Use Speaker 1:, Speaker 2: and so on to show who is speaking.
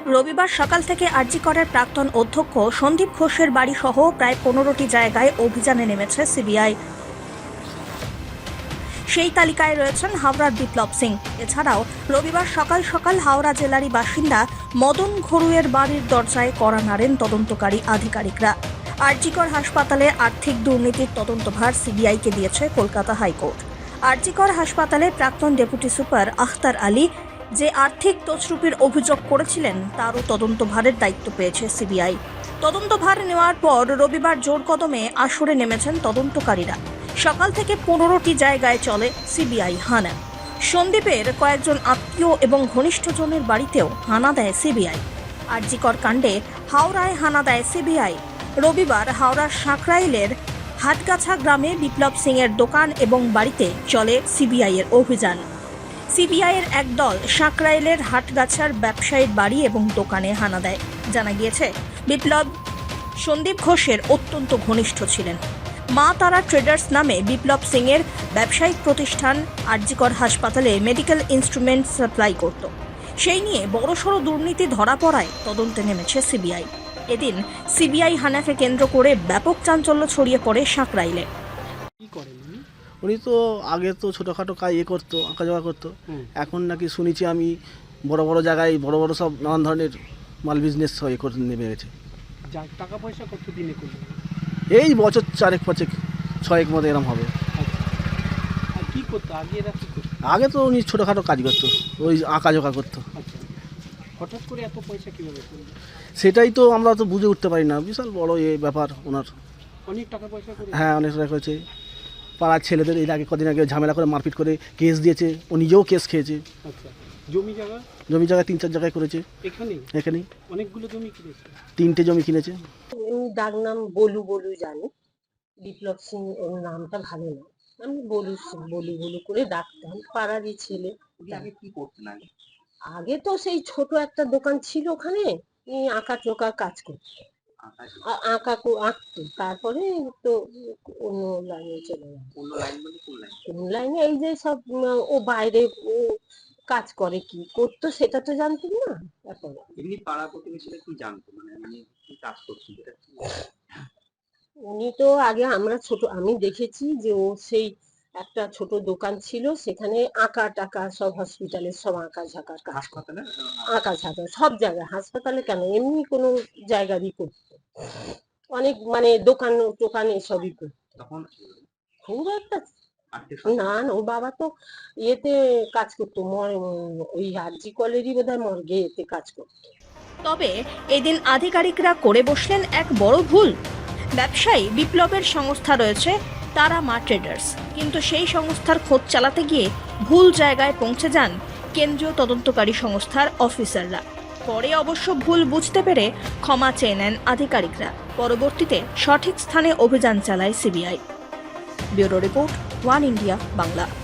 Speaker 1: রবিবার সকাল থেকে আরজি করের প্রাক্তন অধ্যক্ষ সন্দীপ ঘোষের বাড়ি সহ প্রায় 15টি জায়গায় অভিযানে নেমেছে সিবিআই। সেই তালিকায় রয়েছেন হাওড়ার বিপ্লব সিং। এছাড়াও রবিবার সকাল সকাল হাওড়া জেলারই বাসিন্দা মদন ঘড়ুইয়ের বাড়ির দরজায় কড়া নাড়েন তদন্তকারী আধিকারিকরা। আরজি কর হাসপাতালে আর্থিক দুর্নীতির তদন্তভার সিবিআইকে দিয়েছে কলকাতা হাইকোর্ট। আরজি কর হাসপাতালে প্রাক্তন ডেপুটি সুপার আখতার আলী যে আর্থিক তছরুপির অভিযোগ করেছিলেন তারও তদন্তভারের দায়িত্ব পেয়েছে সিবিআই। তদন্তভার নেওয়ার পর রবিবার জোর কদমে আসরে নেমেছেন তদন্তকারীরা। সকাল থেকে 15টি জায়গায় চলে সিবিআই হানা। সন্দীপের কয়েকজন আত্মীয় এবং ঘনিষ্ঠজনের বাড়িতেও হানা দেয় সিবিআই। আরজি কর কাণ্ডে হাওড়ায় হানা দেয় সিবিআই। রবিবার হাওড়ার সাঁকরাইলের হাটগাছা গ্রামে বিপ্লব সিং এর দোকান এবং বাড়িতে চলে সিবিআই এর অভিযান। সিবিআইয়ের এক দল সাঁকরাইলের হাটগাছার ব্যবসায়ীর বাড়ি এবং দোকানে হানা দেয়। জানা গিয়েছে, বিপ্লব সন্দীপ ঘোষের অত্যন্ত ঘনিষ্ঠ ছিলেন। মা তারা ট্রেডার্স নামে বিপ্লব সিং এর ব্যবসায়িক প্রতিষ্ঠান আরজি কর হাসপাতালে মেডিকেল ইনস্ট্রুমেন্ট সাপ্লাই করত। সেই নিয়ে বড়সড় দুর্নীতি ধরা পড়ায় তদন্তে নেমেছে সিবিআই। এদিন সিবিআই হানাকে কেন্দ্র করে ব্যাপক চাঞ্চল্য ছড়িয়ে পড়ে সাঁকরাইলে।
Speaker 2: কি করেন
Speaker 3: উনি তো আগে তো ছোটোখাটো কাজ করতো, আঁকা জোগা করতো। এখন নাকি শুনেছি আমি বড় বড় জায়গায় বড় বড় সব নানান ধরনের মাল বিজনেস করে নেমে গেছে।
Speaker 2: টাকা পয়সা কত দিনে করলেন?
Speaker 3: এই বছর 4-5-6 মতো এরম হবে।
Speaker 2: আর কি করতো আগে? এরা কি করতো?
Speaker 3: আগে তো উনি ছোটোখাটো কাজ করতো, ওই আঁকা জোগা করতো।
Speaker 2: আচ্ছা, হঠাৎ করে এত পয়সা কীভাবে করলেন?
Speaker 3: সেটাই তো আমরা তো বুঝে উঠতে পারি না। বিশাল বড় এই ব্যাপার ওনার।
Speaker 2: অনেক টাকা পয়সা করে?
Speaker 3: হ্যাঁ, অনেক টাকা করেছে। পাড়ার ছেলেদের এর আগে কদিন আগে ঝামেলা করে মারপিট করে কেস দিয়েছে, ও নিজেও কেস খেয়েছে।
Speaker 2: আচ্ছা, জমি জায়গা
Speaker 3: 3-4 জায়গায় করেছে। এখানেই
Speaker 2: অনেকগুলো জমি কিনেছে?
Speaker 3: 3টে জমি কিনেছে।
Speaker 4: ডাক নাম বলু জানি। বিপ্লব সিং ওর নামটা ভালো না, আমি বলু করে ডাকতাম। পাড়ারই ছেলে।
Speaker 5: আগে কি করতেন?
Speaker 4: আগে তো সেই ছোট একটা দোকান ছিল, ওখানে আঁকা চোকা কাজ করতো, আঁকতো। তারপরে তো অন্য লাইনে চলে গেল। কোন লাইনে? এই যে সব ও বাইরে ও কাজ করে, কি করতো সেটা তো জানতাম না। তারপরে
Speaker 5: এমনি পাড়া প্রতিবেশীরা কি জানতো, মানে আমি কি কাজ করছি?
Speaker 4: উনি তো আগে আমি দেখেছি যে ও সেই একটা ছোট দোকান ছিল, সেখানে আঁকা টাকা সব হসপিটালের সব আঁকা ঝাঁকা সব জায়গায়, হাসপাতালে কেন এমনি কোনো জায়গারই করতো। অনেক মানে দোকান টোকান এসবই করতো।
Speaker 5: তখন
Speaker 4: খুব একটা না, ও বাবা তো ইয়েতে কাজ করতো, ওই আরজি কলেরই বোধহয় মর্গে এতে কাজ করতো।
Speaker 1: তবে এদিন আধিকারিকরা করে বসলেন এক বড় ভুল। ব্যবসায়ী বিপ্লবের সংস্থা রয়েছে তারা মা ট্রেডার্স, কিন্তু সেই সংস্থার খোঁজ চালাতে গিয়ে ভুল জায়গায় পৌঁছে যান কেন্দ্রীয় তদন্তকারী সংস্থার অফিসাররা। পরে অবশ্য ভুল বুঝতে পেরে ক্ষমা চেয়ে নেন আধিকারিকরা। পরবর্তীতে সঠিক স্থানে অভিযান চালায় CBI. Bureau report, One India Bangla.